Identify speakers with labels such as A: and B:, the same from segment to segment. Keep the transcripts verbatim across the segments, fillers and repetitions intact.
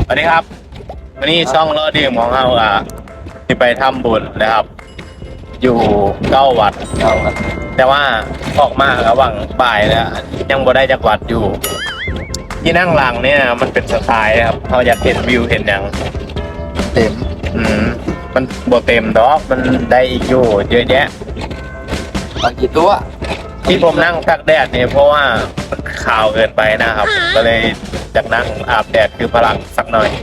A: สวัสดีครับวันนี้ช่องรอดื่มของเราอ่ะที่ไปทำบุญนะครับ อยู่เก้าวัดเก้าวัดแต่ว่าออกมาระหว่างบ่ายแล้วยังบ่ได้จักวัดอยู่ ที่นั่งหลังเนี่ยมันเป็นสไตล์ครับเขาอยากเห็นวิวเห็นอย่าง
B: เต็ม
A: อืมมันบ่เต็มดอกมันได้อีกอยู่เยอะแยะ
B: บางกี่ตัว
A: ที่ผมนั่งตักแดดเนี่ยเพราะว่ามันขาวเกินไปนะครับก็เลยจากนั่งอาบแดดคือพลังสักหน่อย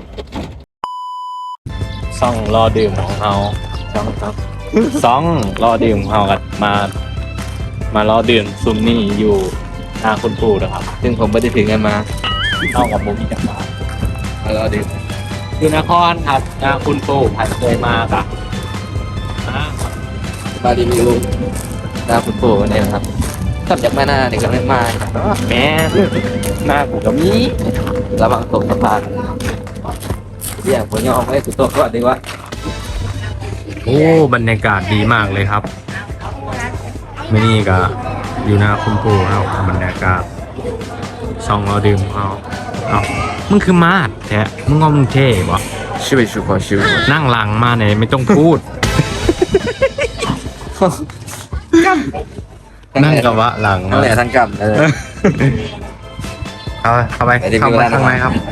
A: ซ่องรอดื่มของเราซ่องครับซ่องรอดื่มของเรากันมามารอดื่มซุมนี่อยู่หน้าคุณปู่นะครับ
B: ซึ่งผมไม่ได้ถึงกันมา
A: เข้ากับโมมีจังหวะ
B: มารอดื่ม
A: คือนครครับหน้าคุณปู่ผ่านเคยมาครับ
B: มาดีมีลุงหน้าคุณปู่เนี่ยครับขับจากแม่หน้าเนี่ยก็ไม่มา
A: แม่หน้าผมก็มี
B: ระวังตกสะพานเรียกผมยอมให้สุดโต่งก่อนดีวะ
A: โอ้บรรยากาศดีมากเลยครับไม่นี่ก็อยู่หน้าคุณปู่ครับบรรยากาศซองเราดื่มเขาเอามึงคือมาดแท้มึงงอมึงเท่บ่
B: ชิวชิวขอชิว
A: นั่งหลังมาเนี่ยไม่ต้องพูดนั่งกับวะหลัง
B: นั่นแหละทั้งกำเลย
A: เอาเข้าไปเข้าไปข้างในครับ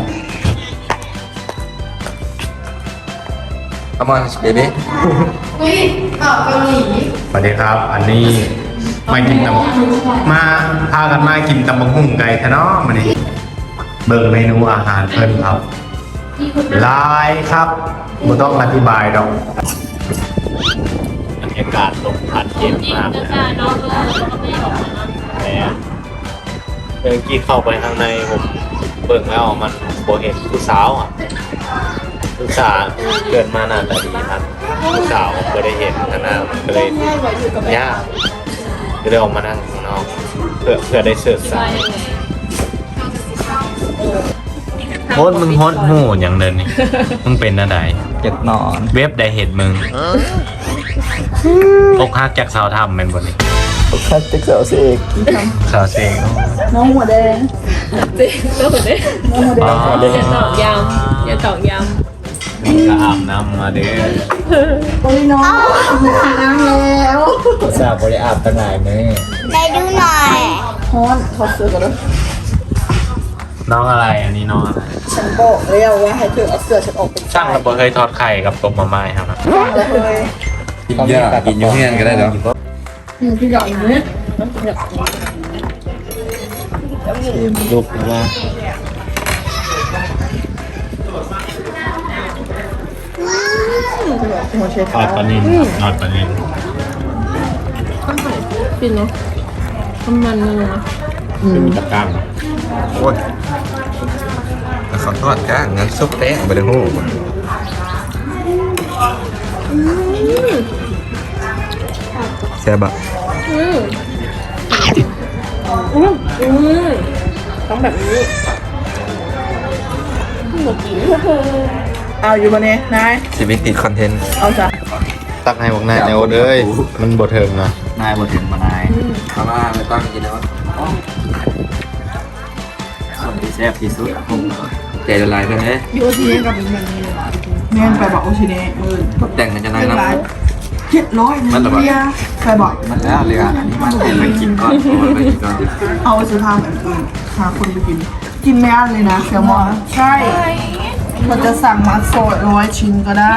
B: Come on baby
C: เฮ้ยเกาหลี
A: สวัสดีครับอันนี้มากินตำมาพากันมากินตำบักหุ่งไก่ทะเนาะมาดิเบิ่งเมนูอาหารเพิ่นครับลายครับไม่ต้องอธิบายดอกบรรยากาศลมพัดเย็นมากเลยแหมเมื่อกี้เข้าไปข้างในผมเบิ่งแล้วมันโบเห็นผู้สาวอ่ะผู้สาวเกิดมาหน้าตาดีครับผู้สาวผมก็ได้เห็นนะนะก็เลยยากก็เลยออกมานั่งข้างนอกเพื่อเพื่อได้เสิร์ฟสายโฮสมึงโฮสหูอย่างเดินนี่มึงเป็นอะไร
B: เจ็บนอน
A: เว็บได้เห็นมึงอกหักจากสาวทำเป็นบนนี้
B: อกหักจากสาวเสก
A: สาวเสก
C: น้องหัวแดง
D: เจ๊น้องหัวแดงน้องหัวแดงอย่าตอกย้ำอย่าตอกย้ำ
A: นี่ก็อาบน้ำมาเด้อ
C: โอ้ยน้องอาบน้ำแล้ว
A: สาวบริอาบตั้งไหนไหม
C: ได้ดูหน่อยฮอนขอเสื้อกันเลย
A: น้องอะไรอันนี้น้องอะไร
C: ฉันบอกแล้วว่าให้เธอเอาเสื้อฉันออกเป็น
A: ช่างระเบิดเคยทอดไข่กับต้มมะม่าครับ
B: กินเยอะกินยุ่งเงี้ยก็ได้เหรอ
C: อืมพี่หยอดอย่างนี้
A: ลูกว่าทอดปลานิลทอดปลานิล
D: กินเนาะทำมันเลยนะ
A: เป็นมีตะกร้าง
B: โอ้ยแต่เขาทอดก้างงั้นซุปแป้งไปเลยโหแซ่บะ
D: อืมอืมอืมต้องแบบนี้หมดกี่
C: เอาอยู่บนนี้นาย
B: ชีวิตติดคอนเทนต์
C: เอาจ้ะ
A: ตักให้บอกนายในโอ๊ตเอ้ยมันบดเทิงนะ
B: นายบดเทิงมานายเขามาไม่ต้องกินแล้วคนที่แซ่บที่สุดใจละลายกันเลย
C: อยู่ที่นี่กับเป็นแบบนี้เลยแม่ไปบอกโอชิเนะมือ
B: แต่งกันจะนายนะ
C: เจ็ดร้อยนะเบียร์ใครบอก
B: มันแล้วเลยอ่ะอันนี้มันเป็นไปกินก่อนไปกินก่อน
C: เอาไปซื้อทานแบบอื่นหาคนไปกินกินไม่อั้นเลยนะแซลมอนใช่มันจะสั่งมัดโซดร้อยชิ้นก็ได้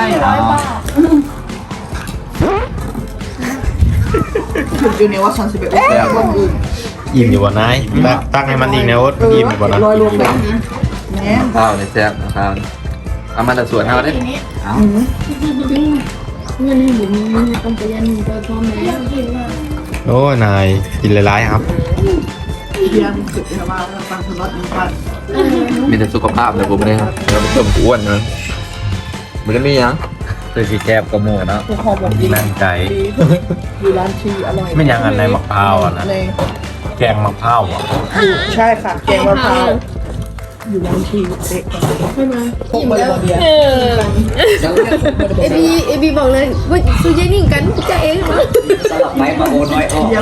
C: ถึงอยู่ในว่าฉันสิบเอ็ดคนอื่น
A: อิ่มอยู่บ่นายตั้งให้มันอีกนะโอ๊ตอิ่มอยู่บ่นะ
C: ร้อยรวมกันเนี่ย
B: ข้าวในแซ่บข้าวเอามาแต่ส่วนข้าวได้เอา
D: เงินให้บุ๋มมีต้องไปยันตัวพ่อแม่
A: โอ้นายกินหลายๆครับ
C: เรียนสุดเลยว่าฟังสล็อตนี้กัน
B: มีแต่สุขภาพเลยผมไม่ได้ครับเราไม่ต้องอ้วนนะมันก็มียังคือสีแซ่บกระโมงนะ
A: นั่งใจ
C: อยู่ร้านชีอร่อย
A: ไม่ยังอันในมะพร้าวอ่ะนะแกงมะพร้าวอ่ะ
C: ใช่ค่ะแกงมะพร้าวอยู่ร้านชีเด็กใช่ไหมพวกบริบาเดียเ
D: อบีเอบีบอกเลยว่าซูเจนิ่งกันจะเองมั้ง
B: สลับไม้มาโอนน้อยออก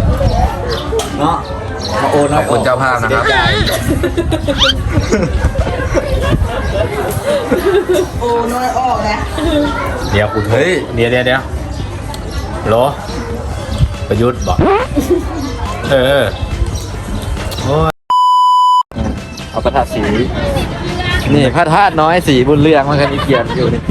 B: เนาะมาโอนน้อยคนเจ้าภาพนะครับ
C: โอ้น้อยออกนะ
A: เดี๋ยวคุณเฮ้ยเดี๋ยวเดี๋ยวเดี๋ยวโหลประยุทธ์บอกเออโอ้ย
B: เอาพระธาตุสีนี่พระธาตุน้อยสีบุญเรืองมันกันอีเกียนอยู่นี่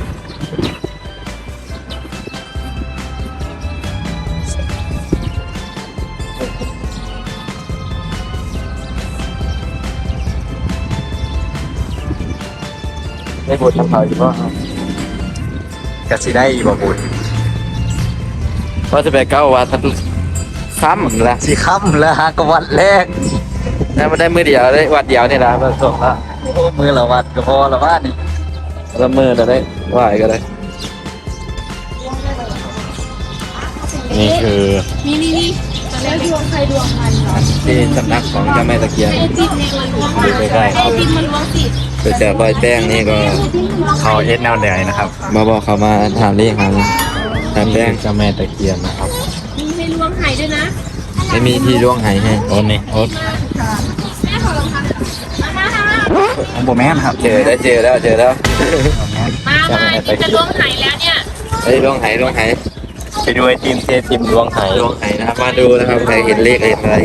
B: ได้บททำเขาอยู่ป่ะกะสิได้บ่บุญว่าจะไปเก้าวัดค่ำแล้วสิค่ำแล้วฮะก็วัดแรกแล้วมันได้มือเดียวได้วัดเดียวนี่ละมันส่งละมือละวัดก็พอละวัดนี่ละมือจะได้ไหวก็ได้
A: นี่คือ
D: นี่นี่นี่ตอนแรกดวงใครดวงมันเหรอ
B: ที่สำนักของเจ้าแม่ตะเคียน
D: ไอติมเนี่ยมันล้วงมาไอติมมันล้วงติด
B: โดยจากรอยแป้งนี่ก็
A: เขาเอสแนวแดงนะครับ
B: มาบอกเขามาถามเรียกหาถามแป้ง
A: เจ้าแม่ตะเคียนนะครับ
D: มีให้ล้วงหายด้วยนะ
B: ไม่มีที่ร่วงหายให้
A: โอ๊ตนี่โอ๊ต
D: แม่ขอลองทำมามามา
B: ผมบอกแม่ครับเจอได้เจอแล้วเจอแล้ว
D: มามาที่จะล้วงหายแล้วเนี่ย
B: ไอ้ร่วงหายร่วงหาย
A: ไปดูไอติมเทติมดวงไห
B: ร่วงหายนะครับมาดูนะครับใครเห็นเลขเห็นอะไร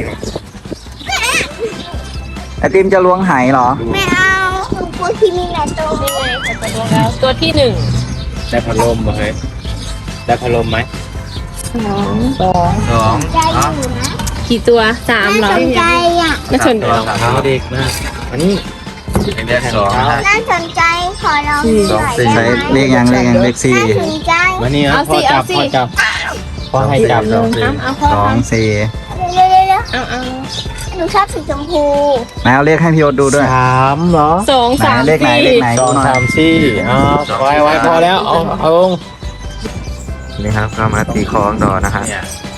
E: ไอติมจะล้วงไหเหรอ
F: ไม่เอาหนูกลัวที่มีหลายตัว
D: นี่ไงจะไปล้วงแล้วตัวที่หนึ่ง
A: ได้พัดลมบ่เฮ้ยได้พัดลมไหม
B: สอง
F: ใจอยู่นะ
D: กี่ตัวสามเหรอ
F: น่าสนใจอ่ะ
D: น่าสนใจ
A: รองเท้าเด็กนะอันนี้เป็นได้สอง
F: น่าสนใจขอลองหน่อยได้
E: ใช้
F: ไหม
E: เลขยังเลขยังเลขสี่
F: น่าสนใจ
A: วันนี้ครับพ่อจับพ่อจับพ่อให้จับ
D: เอาเอาพ่อ
E: สองสี่
F: เร็วๆเร็ว
D: เอาเอา
F: ๆหนูชอบสีชมพู
E: นายเอาเลขให้พี่โอ๊ตดูด้วย
A: สามเหรอ
D: สอง
E: ไหน
D: สาม
E: เลขไหน
D: สี่
E: เลขไหน
A: สองสามสี่เอาไว้ไว้พอแล้วเอาเอาลง
B: นี่ครับก็มาตีคล้องต่อนะฮะ
A: เนี่ย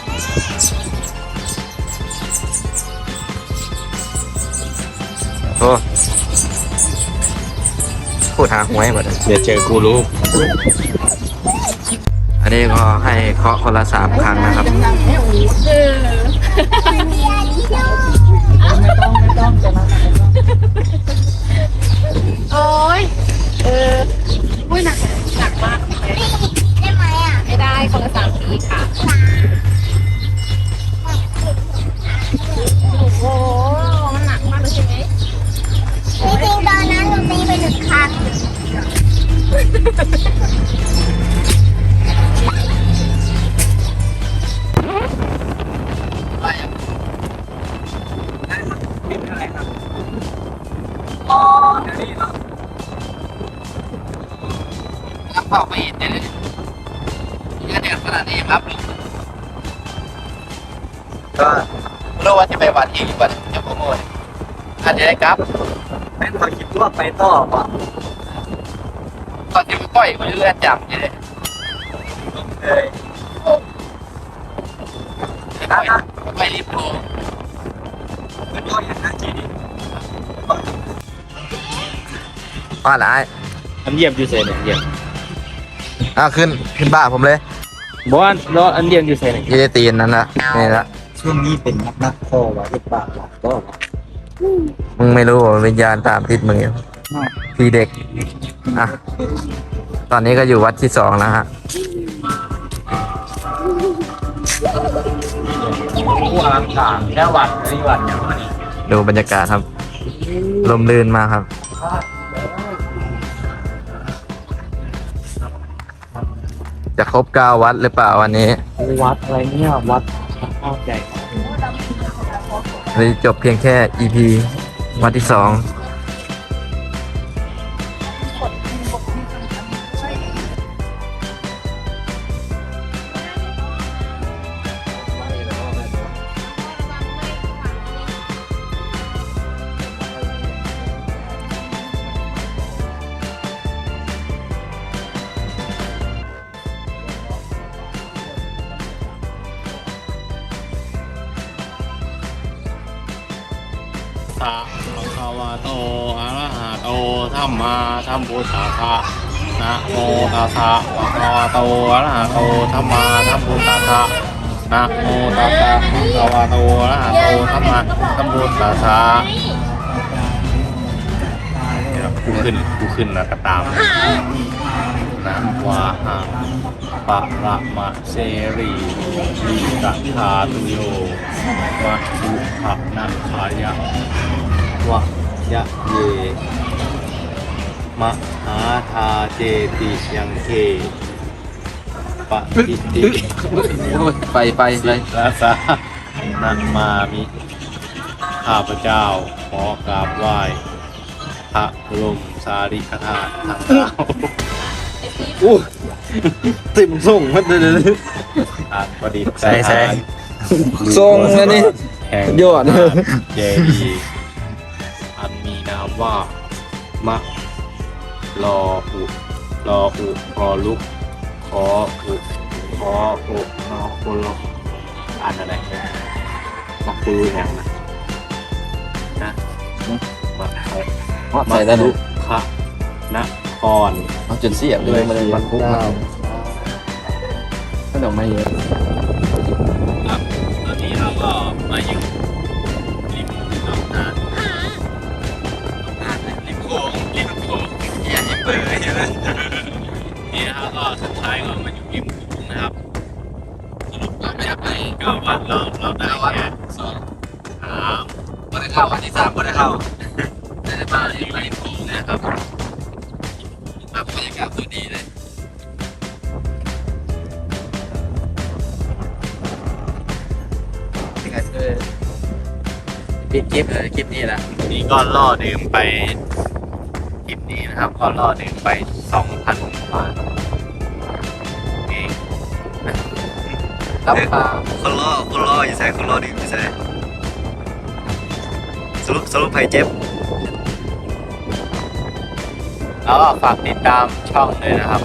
B: โอ้พูดหาหวยหมดเลย
A: เดี๋ยวเจอกูรู้
B: อันนี้ก็ให้เคาะคนละสามครั้งนะครับ
D: เออโอ้ยเอออุ้ยหนักหนักมากเลย
F: ได้ไหมอ่ะ
D: ไม่ได้คนละสามสีค่ะโอ้โหมันหนักมากเลยใช่ไหม
F: จริงๆตอนนั้นหนูตีไปหนึ่งครั้ง
B: เข้าไปเห็นเลยเยอะเด็ดขนาดนี้ครับก็รู้ว่าจะไปวัดอีกวัดจะโปรโมทอันนี้ได้ครับเป็นคนคิดว่าไปต่อป่ะตอนที่ไปปล่อยมันเลื่อนจับนี่เลยเลยไปรีบโทรว่าอะไร
A: อันเยี่ยมอยู่เซนเนี่ยเยี่ยม
B: อ่ะขึ้นขึ้นบ้าผมเลย
A: บอลรออันเยี่ยมอยู่เซนเนี่ย
B: ยี่ได้ตีนนั่นละนี่ละ
E: ช่วงนี้เป็นนักนักพ่อวะที่ปากหลักก็
B: มึงไม่รู้ว่าวิญญาณตามติดมึงอยู่พี่เด็กอ่ะตอนนี้ก็อยู่วัดที่สองแล้วฮะ
A: ผู้อลังการแค่วัดนี่วัดอย่างนี้
B: ดูบรรยากาศครับลมลื่นมากครับ จะครบเก้าวัดหรือเปล่าวันนี้
A: วัดอะไรเนี่ยวัดข้าวใหญ่
B: เลยจบเพียงแค่ อี พี วัดที่สอง
A: สะภะคะวะโตอะระหะโตธัมมาธัมพุทธัสสะนะโมตัสสะภะคะวะโตอะระหะโตธัมมาธัมพุทธัสสะนะโมตัสสะภะคะวะโตอะระหะโตธัมมาธัมพุทธัสสะกูขึ้นกูขึ้นนะก็ตามนะวาหะปะระมะเสรีลีกะคาตุโยวะอุขะนัคขายะวะยะเยมหาทาเจติยังเคปะติติ
B: ไปไปไป
A: ลาสานันมามิข้าพเจ้าขอกราบไหว้พระบรมสารีริกธาตุทั้งเก้า
B: อู้ติ่มส่งมันเลย
A: อาจประดิษฐ์
B: ใส่ใส่ส่งอันนี้
A: แห่ง
B: ยอด
A: เจดีย์อันมีนามว่ามะลออุลออุพอลุกขออุขออุนอคุลอ่านอะไรนักปูแห่งนะนะมาใส่
B: ว่าใส่ได้
A: ลุ
B: ลูก
A: คะนคร
B: เอาจนเสียบเลยมันมันคุกมาก็เดี๋ยวไม่เยอะ
A: ครับตอนนี้เราก็มาอยู่ริมหนองนาริมโขงริมโขงอย่าให้เปิดใช่ไหมนี่นะครับก็สุดท้ายก็มาอยู่ริมโขงนะครับสรุปก็ไม่ได้ไปก็วันเราเราได้แค่สองสามวันที่เข้าวันที่สามวันที่เข้าได้มาอยู่ริมโขงนะครับแบบบรรยากาศสวยดีเลย
B: ปิดคลิปเลยคลิปนี้แหละ
A: นี่ก็ล่อดื่มไปคลิปนี้นะครับ ก็ล่อดื่มไปสองพันบาทเอง
B: รับปลา
E: คนรอคนรออยู่ใส่คนรอดื่มอยู่ใส่สรุปสรุปไผ่เจ็บ
A: แล้วก็ฝากติดตามช่องเลยนะครับ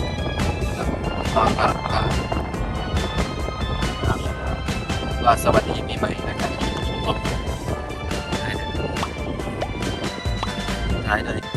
B: ว่าสวัสดีปีใหม่นะครับท้ายเลย